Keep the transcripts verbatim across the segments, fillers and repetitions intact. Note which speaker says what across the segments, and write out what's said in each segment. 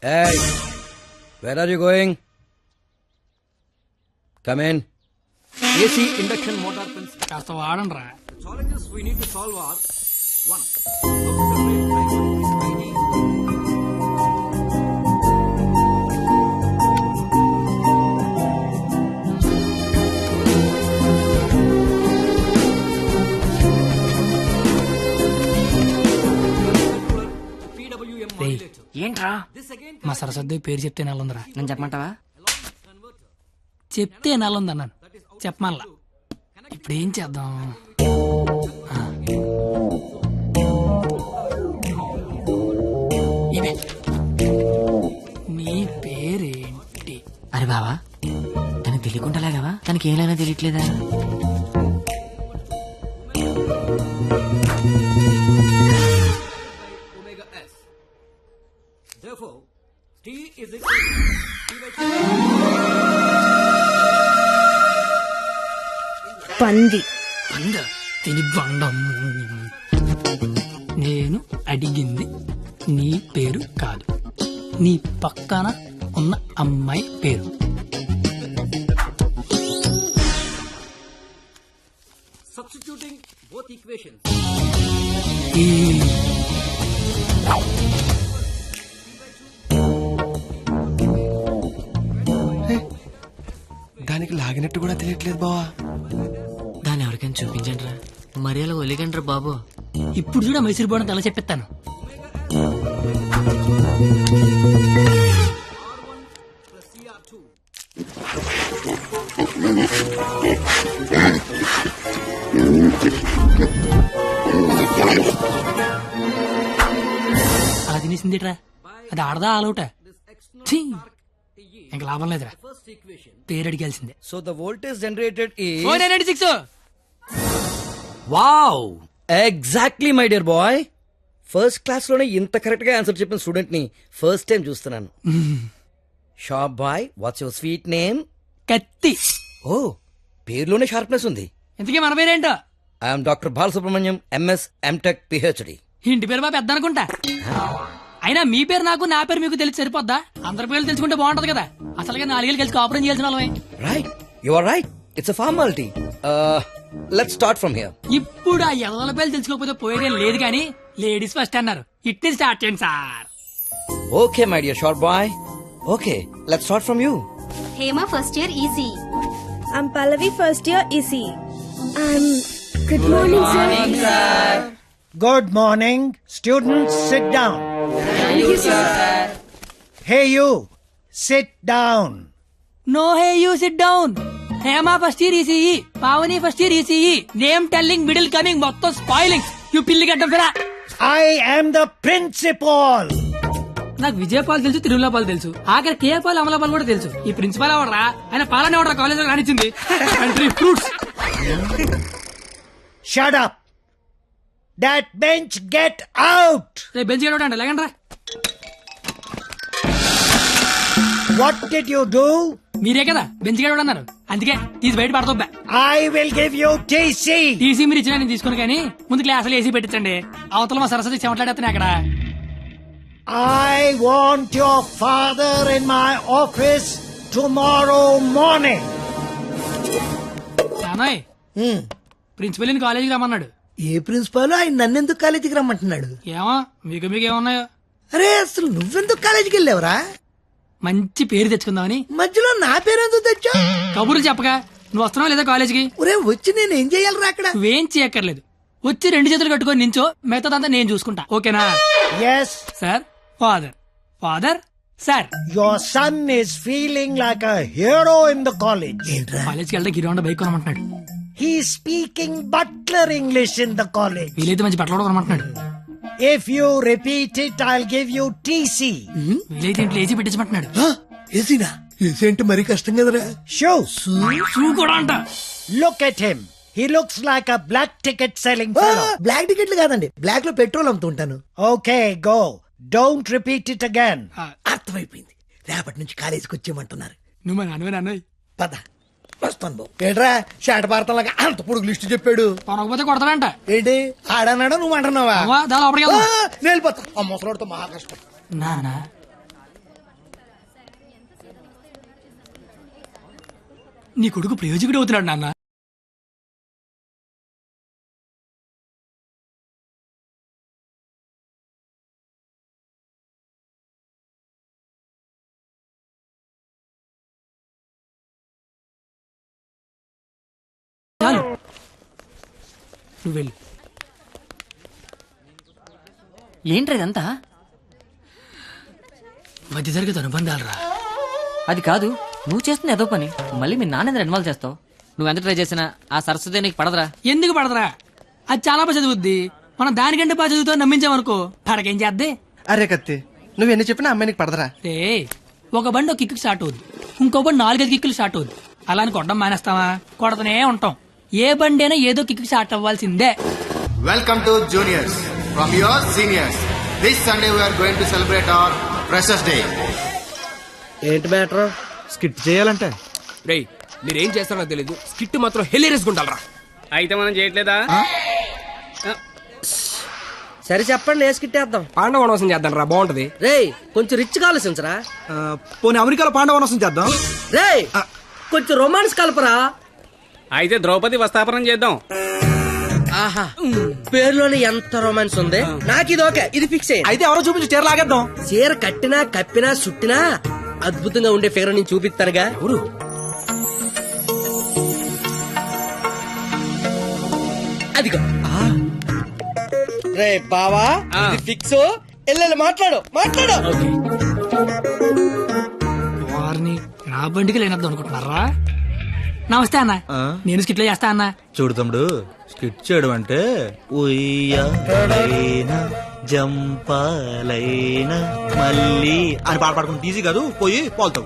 Speaker 1: Hey, where are you going? Come in. A C induction motor pins.
Speaker 2: కాస్త వాడండి రా.
Speaker 1: The challenges we need to solve are one. How to separate driver is I D. P W M
Speaker 2: రేయ్,
Speaker 1: modulator.
Speaker 2: ఏంట్రా
Speaker 1: This again
Speaker 2: మా సరస్వతి పేరు చెప్తే నెలందిరా.
Speaker 3: నేను చెప్పమంటావా?
Speaker 2: చెప్తే నెలంది అన్నాను, చెప్పమల్లా. ఇప్పుడు ఏం చేద్దాం? ఆ. ఇవే. నీ పేరేంటి?
Speaker 3: అరే బావా, తనకు తెలియకుండా లాగావా? తనకి ఏమైనా తెలియట్లేదా?
Speaker 1: omega s. Therefore, T is equal to T by two.
Speaker 4: పంది.
Speaker 2: అంద తిని బండం. నేను అడిగింది నీ పేరు కాదు, నీ పక్కన ఉన్న అమ్మాయి పేరు.
Speaker 1: Substituting both equations.
Speaker 2: ఈ
Speaker 5: దానికి లాగినట్టు కూడా తెలియట్లేదు బావా.
Speaker 3: దాన్ని ఎవరికైనా చూపించండి రా, మరి అలా ఒలిగండి రా బాబు.
Speaker 2: ఇప్పుడు చూడ మైసూర్ బోర్డు ఎలా చెప్పిస్తాను.
Speaker 1: Plus C R two.
Speaker 2: అలా తినేసిందిట్రా, అది ఆడదా ఆలౌట. ఇంకా లాభం లేదురా,
Speaker 1: First equation.
Speaker 2: పేరు అడిగాల్సిందే.
Speaker 1: So the voltage generated is.
Speaker 2: Four nine six.
Speaker 1: Wow! Exactly, my dear boy. First class లోనే ఇంత కరెక్ట్ గా ఆన్సర్ చెప్పిన స్టూడెంట్ ని ఫస్ట్ టైం చూస్తున్నాను. Shop boy, what's your sweet name?
Speaker 2: Kathi.
Speaker 1: Oh, పేరులోనే షార్ప్నెస్ ఉంది.
Speaker 2: ఇంతకీ మన పేరేంటో?
Speaker 1: I'm doctor Balasubrahmanyam, MS, MTech, PhD.
Speaker 2: ఇంటి పేరు మా పెద్ద అనుకుంటా. అయినా మీ పేరు నాకు, నా పేరు మీకు తెలిసి సరిపోద్దా? అందరి పేర్లు తెలుసుకుంటే బాగుంటది కదా. అసలుగా నాలుగేళ్ళు కలిసి కాపురం చేయాల్సిన వాళ్ళమే.
Speaker 1: Right, you are right. It's a formality. Let's start from here.
Speaker 2: ఇప్పుడు ఆ ఎల్లల పేర్లు తెలుసుకోకపోతే పోయేదేం లేదు కానీ లేడీస్ ఫస్ట్ అన్నారు. ఇట్ని స్టార్ట్ చేయండి sir.
Speaker 1: Okay my dear short boy. Okay, let's start from you.
Speaker 6: Hema first year E C.
Speaker 4: I'm Pallavi, first year E C. I'm... Good morning, sir.
Speaker 7: Good morning. Students, sit down.
Speaker 4: Thank you, sir.
Speaker 7: Hey, you. Sit down.
Speaker 2: No hey you sit down. Hema first year ECE, Pavani first year ECE. Name telling, middle coming, మొత్తం spoiling. You పిల్లి గడ్డం ఫిరా.
Speaker 7: I am the principal.
Speaker 2: నాకు విజయపాల్ తెలుసు, తిరుమలపాల్ తెలుసు, ఆఖరి కేపాల్, అమలాపాల్ కూడా తెలుసు. ఈ ప్రిన్సిపాల్ ఎవడరా? ఆయన పాలనే ఎవడరా కాలేజ్ లో రానిచ్చింది? Fruits.
Speaker 7: Shut up. That bench, get out.
Speaker 2: రేపు బెంచ్ గడవడం అంటే లేకండి రా.
Speaker 7: What did you do?
Speaker 2: మీరే కదా బెంచ్ గడవడం అన్నారు, అందుకే తీసి బయట పడతా.
Speaker 7: I will give you T C.
Speaker 2: TC మీరు ఇచ్చిన నేను తీసుకుని కానీ ముందు క్లాసులు ఏసీ పెట్టించండి. అవతల మా సరస్వతి చెమట్లాడేస్తాను అక్కడ.
Speaker 7: I want your father in my office tomorrow morning.
Speaker 2: నానోయ్, ప్రిన్సిపల్ కాలేజీకి రమ్మన్నాడు.
Speaker 8: ఏ ప్రిన్సిపాల్ ఆయన నన్నెందుకు కాలేజీకి రమ్మంటున్నాడు?
Speaker 2: ఏమో మీకు మీకు ఏమన్నాయో.
Speaker 8: అరే అసలు నువ్వెందుకు కాలేజీకి వెళ్ళావురా?
Speaker 2: మంచి పేరు తెచ్చుకుందామని.
Speaker 8: మధ్యలో నా పేరెందుకు తెచ్చా?
Speaker 2: కబుర్లు చెప్పగా నువ్వు వస్తున్నావు లేదా కాలేజీకి?
Speaker 8: ఒరే వచ్చి నేను ఏం చెయ్యాలరా అక్కడ?
Speaker 2: నువ్వేం చేయక్కర్లేదు, వచ్చి రెండు చేతులు కట్టుకొని నించో, మిగతాదంతా నేను చూసుకుంటా. ఓకేనా?
Speaker 7: Yes.
Speaker 2: Sir, father, father, sir.
Speaker 7: Your son is feeling like a hero in the college.
Speaker 8: ఏంట్రా?
Speaker 2: కాలేజ్కి వెళ్తే గిరౌండ్ బైక్ కొనమంటున్నాడు.
Speaker 7: He's speaking butler English in the college.
Speaker 2: వీలైతే మంచి బట్టలు కూడా కొనమంటున్నాడు.
Speaker 7: If you repeat it, I'll give you T C.
Speaker 2: వీలైతే ఇంట్లో ఏసీ పెట్టించమంటున్నాడు.
Speaker 8: ఏసీనా? ఏసీ అంటే మరీ కష్టం కదరా.
Speaker 7: Shoes.
Speaker 2: షూ కూడా అంట.
Speaker 7: Look at him. He looks like a black ticket selling fellow.
Speaker 8: Black టికెట్లు కాదండి, బ్లాక్ లో పెట్రోల్ అమ్ముతుంటాను.
Speaker 7: Okay, go. Don't repeat it again.
Speaker 8: అర్థమైపోయింది, రేపటి నుంచి కాలేజీకి వచ్చేయమంటున్నారు.
Speaker 2: నువ్వు మా నాన్నవే నాన్నోయ్.
Speaker 8: పద వస్తాను బాబు. ఏంట్రా షాట భారతంలాగా అంత పొడుగు లిస్టు చెప్పాడు?
Speaker 2: కొనకపోతే కొడతాడంట.
Speaker 8: ఏంటి ఆడన్నాడా నువ్వు అంటున్నావా?
Speaker 2: అవ్వా, దా లోపలికి వెళ్దాం.
Speaker 8: నేను వెళ్ళిపోతా. ఆ ముసలోడితో మహా కష్టం.
Speaker 2: నానా నీ కొడుకు ప్రయోజకుడు అవుతున్నాడు నాన్న. చాలు నువ్వు వెళ్ళు.
Speaker 3: ఏంట్రా ఇదంతా?
Speaker 2: మధ్య తరగతి అనుబంధాలు రా.
Speaker 3: అది కాదు, నువ్వు చేస్తున్న ఏదో పని మళ్ళీ మీ నాన్న ఇన్వాల్వ్ చేస్తావు. నువ్వు ఎంత ట్రై చేసినా ఆ సరస్వతి నీకు పడదురా.
Speaker 2: ఎందుకు పడదరా? అది చాలా బాగా చదువుద్ది. మనం దానికంటే బాగా చదువుతో నమ్మించామనుకో పడకేం చేద్దే.
Speaker 5: అరే కత్తి, నువ్వు ఎన్ని చెప్పినా అమ్మాయి నీకు పడదరా.
Speaker 2: రే ఒక బండి ఒక కిక్కు స్టార్ట్ అవుద్ది, ఇంకో బండి నాలుగైదు కిక్కులు స్టార్ట్ అవుద్ది. అలా అని కొట్టడం మానేస్తావా? కొడతనే ఉంటాం. ఏ బండి అయినా ఏదో కిక్కు స్టార్ట్ అవ్వాల్సిందే.
Speaker 9: Welcome to juniors from your seniors. This Sunday we are going to celebrate our Freshers Day.
Speaker 1: ఏంటి మ్యాటర్?
Speaker 10: స్కిట్ చేయాలంటే రేయ్ మీరేం చేస్తారో తెలీదు, స్కిట్ మాత్రం హిలేరియస్ గుంటాలరా.
Speaker 11: అయితే మనం చేయట్లేదా?
Speaker 1: సరే చెప్పండి, ఏ స్కిట్ వేద్దాం?
Speaker 10: పాండవ వనవాసం చేద్దాం రా, బాగుంటది.
Speaker 1: రేయ్ కొంచెం రిచ్ ఆలోచించరా.
Speaker 10: పోనీ అమెరికాలో పాండవ వనవాసం చేద్దాం.
Speaker 1: రేయ్ కొంచెం రొమాన్స్ కలపరా.
Speaker 11: అయితే ద్రౌపది వస్తాపనం చేద్దాం.
Speaker 1: ఆహా, పేరులోనే ఎంత రొమాన్స్ ఉంది. నాకు ఇది ఓకే, ఇది ఫిక్స్ అయ్యి.
Speaker 10: అయితే ఎవరో చూపించి చీర లాగేద్దాం.
Speaker 1: చీర కట్టినా కప్పినా సుట్టినా అద్భుతంగా ఉండే ఫిగర్ నేను చూపిస్తానుగా.
Speaker 10: ఎవరు?
Speaker 1: అదిగో రే బావా, ఇది ఫిక్స్. ఎల్లెల్లి మాట్లాడు మాట్లాడు.
Speaker 2: వారిని నా బండికి లేనద్దు అనుకుంటున్నారా? నమస్తే అన్న, నేను స్కిట్లో చేస్తా అన్న.
Speaker 12: చూడు తమ్ముడు, స్కిట్ చేయడం అంటే ఉయ్యాలైనా జంపాలైనా మళ్ళీ అని పాట పాడుకుంటే ఈజీ కాదు. పోయి పోల్తావు.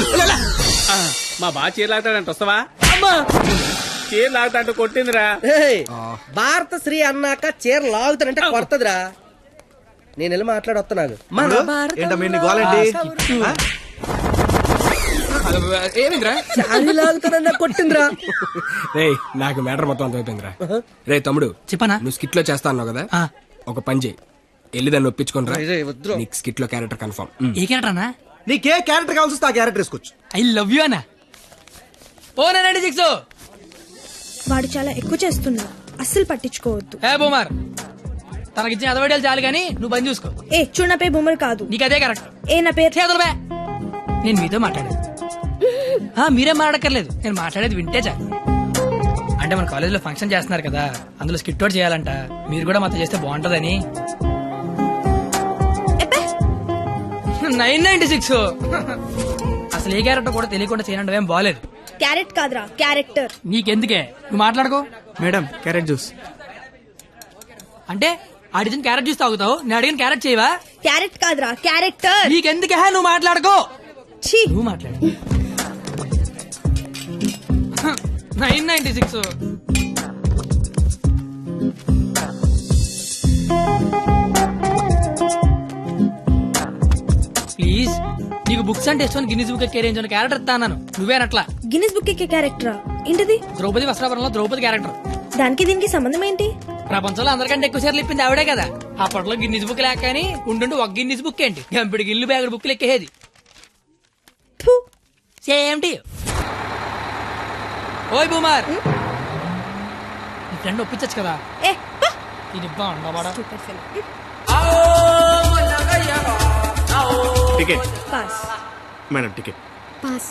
Speaker 11: మా బాగా చీర లాగుతాడంట, వస్తావా? చీర లాగుతాంటూ కొట్టిందిరా.
Speaker 1: రేయ్, భారత శ్రీ అన్నాక చీర లాగుతానంటే కొడతదిరా. నేను వెళ్ళి మాట్లాడి వస్తున్నాను.
Speaker 12: ఏంటమ్మా గోలండి?
Speaker 10: ఏమిందిరా?
Speaker 1: శారీ లాగుతానన్నా కొట్టిందిరా.
Speaker 10: రే నాకు మ్యాటర్ మొత్తం అర్థమైపోయిందిరా. రే తమ్ముడు,
Speaker 2: చెప్పనా?
Speaker 10: నువ్వు స్కిట్ లో చేస్తా అన్నావు కదా,
Speaker 2: ఆ.
Speaker 10: ఒక పని చేయి, వెళ్ళి దాన్ని ఒప్పించుకుని రా.
Speaker 1: రేయ్, రేయ్, వద్దురా.
Speaker 10: నీకు స్కిట్ లో క్యారెక్టర్ కన్ఫర్మ్.
Speaker 2: ఏ క్యారెక్టర్ అన్నా?
Speaker 12: నీకే క్యారెక్టర్ కావాల్సి వస్తే ఆ క్యారెక్టర్ వేసుకోవచ్చు.
Speaker 2: ఐ లవ్ యూ అన్నా. ఓ నైన్టీ సిక్స్
Speaker 4: వాడు చాలా ఎక్కువ చేస్తున్నా, అస్సలు పట్టించుకోవద్దు.
Speaker 2: ఏ బూమర్, తనకిచ్చిన అదవడాలు చాలు కానీ నువ్వు బంద్ చూసుకో.
Speaker 4: ఏ చూడు, నా పేరు బొమ్మలు కాదు.
Speaker 2: నీకు అదే కరెక్ట్.
Speaker 4: ఏ నా పేరు
Speaker 2: చేతులు బే. నేను మీతో మాట్లాడేది. ఆ, మీరేం మాట్లాడక్కర్లేదు, నేను మాట్లాడేది వింటే చాలు. అంటే మన కాలేజీలో ఫంక్షన్ చేస్తున్నారు కదా, అందులో స్కిట్ అవుట్ చేయాలంట. మీరు కూడా మాతో చేస్తే బాగుంటదని. నైన్ నైన్టీ సిక్స్ అసలు ఏ క్యారెక్టర్ కూడా తెలియకుండా చేయడం ఏం బాలేదు.
Speaker 4: క్యారెట్ కాదురా, క్యారెక్టర్.
Speaker 2: నీకెందుకే, నువ్వు మాట్లాడుకో.
Speaker 12: మేడం క్యారెట్ జ్యూస్
Speaker 2: అంటే అడిగిన క్యారెట్ జ్యూస్ తాగుతావు, నేను అడిగిన క్యారెట్ చేయవా?
Speaker 4: క్యారెట్ కాదురా, క్యారెక్టర్.
Speaker 2: నీకెందుకే, నువ్వు మాట్లాడుకో.
Speaker 4: ఛీ,
Speaker 2: నువ్వు మాట్లాడు. నైన్ నైన్టీ సిక్స్ ప్లీజ్, నీకు బుక్స్ అంటే ఇష్టం. గిన్నీస్ బుక్ కెరీర్ క్యారెక్టర్ ఇస్తాను. నువ్వేనట్లా
Speaker 4: గిన్నిస్ బుక్ ఎక్కే క్యారెక్టరా? ఏంటిది?
Speaker 2: ద్రౌపది వస్త్రాపురంలో ద్రౌపది క్యారెక్టర్.
Speaker 4: దానికి దీనికి సంబంధం ఏంటి?
Speaker 2: ప్రపంచంలో అందరికంటే ఎక్కువ సార్లు ఇప్పింది ఆవిడే కదా. అప్పట్లో గిన్నీస్ బుక్ లేక కానీ ఉండుండి ఒక గిన్నీస్ బుక్ ఏంటి, గంపిడి గిల్లు బ్యాగుడు బుక్లు ఎక్కేది.
Speaker 4: ఫు,
Speaker 2: సేమ్ టు యు. ఓయ్ బూమర్, నీ ఫ్రెండ్ ఒప్పించచ్చు కదా.
Speaker 4: ఏ పా.
Speaker 2: ఇది బాగుండవాడా?
Speaker 4: Stupid fellow.
Speaker 9: Ticket.
Speaker 4: Pass.
Speaker 9: Madam, ticket.
Speaker 4: Pass.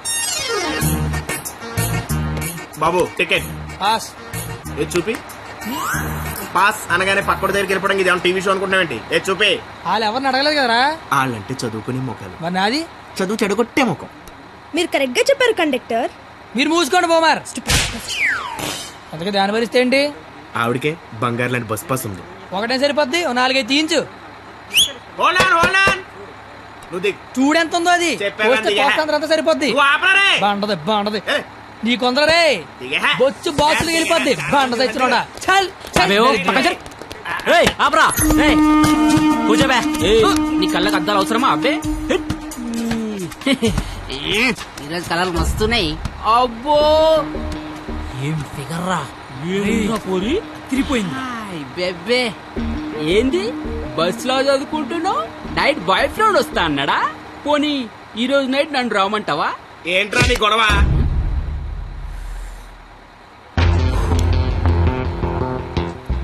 Speaker 9: బాబు టికెట్.
Speaker 2: పాస్.
Speaker 9: ఏ చూపి. పాస్ అనగానే పక్కడి దగ్గరికి వెళ్ళిపోవడం ఇది టీవీ షో అనుకుంటున్నావేంటి? ఏ చూపి.
Speaker 2: వాళ్ళు ఎవరిని అడగలేదు కదరా.
Speaker 9: వాళ్ళంటే చదువుకునే మొక్కలు,
Speaker 2: మరి నాది
Speaker 9: చదువు చెడగొట్టే మొక్కం.
Speaker 4: మీరు కరెక్ట్ గా చెప్పారు కండక్టర్.
Speaker 2: మీరు మూసుకోండి బోమార్. అందుకే దాని భరిస్తే ఏంటి?
Speaker 9: ఆవిడకే బంగారు లాంటి బస్ పాస్ ఉంది.
Speaker 2: ఒకటే సరిపోద్ది, ఓ నాలుగైదు తీయించు.
Speaker 9: Hold on, hold on. నువ్వు దిగు.
Speaker 2: చూడెంత ఉందో అది.
Speaker 9: చెప్పాను
Speaker 2: పోస్తే
Speaker 9: దిగే.
Speaker 2: పోస్తా అంతా సరిపోద్ది.
Speaker 9: నువ్వు ఆపరా రే.
Speaker 2: బాగుంటది బాగుంటది.
Speaker 9: ఏ.
Speaker 2: నీ కొందరే
Speaker 9: దిగే.
Speaker 2: బొచ్చు బాక్సులు వెళ్ళిపోద్ది. బాగుంటది ఇచ్చినోడా. చల్ చల్.
Speaker 3: ఆపరా కూర్చోబే. నీ కళ్ళకి అద్దాలు అవసరమా అబ్బే? ఈరోజు కలర్ మస్తున్నాయి. అబ్బో ఏం ఫిగర్ రా. పోరి తిరిగిపోయింది. బెబ్బే ఏంది బస్ లో చదువుకుంటున్నావు? నైట్ బాయ్ ఫ్రెండ్ వస్తా అన్నాడా? పోనీ ఈ రోజు నైట్ నన్ను రామంటావా?
Speaker 9: ఏంట్రా నీ గొడవ?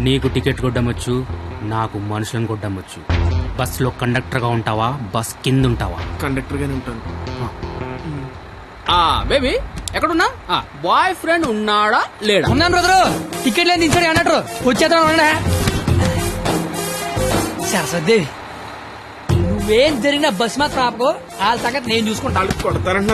Speaker 11: నీకు టికెట్ కొట్టమొచ్చు నాకు మనుషులను కొట్టమొచ్చు బస్సులో కండక్టర్ గా ఉంటావా బస్ కింద ఉంటావా?
Speaker 10: కండక్టర్ గానే ఉంటాను. బేబీ ఎక్కడున్నా? బాయ్ ఫ్రెండ్ ఉన్నాడా లేడా?
Speaker 2: ఉన్నాను బ్రదరు. టికెట్ లేని దించాడు అన్నట్టు వచ్చేద్దాం అన్నా. సరస్వతి నువ్వేం జరిగిన బస్ మాత్రం ఆపకు. వాళ్ళ సంగతి నేను చూసుకుంటా.
Speaker 10: కొడతారంట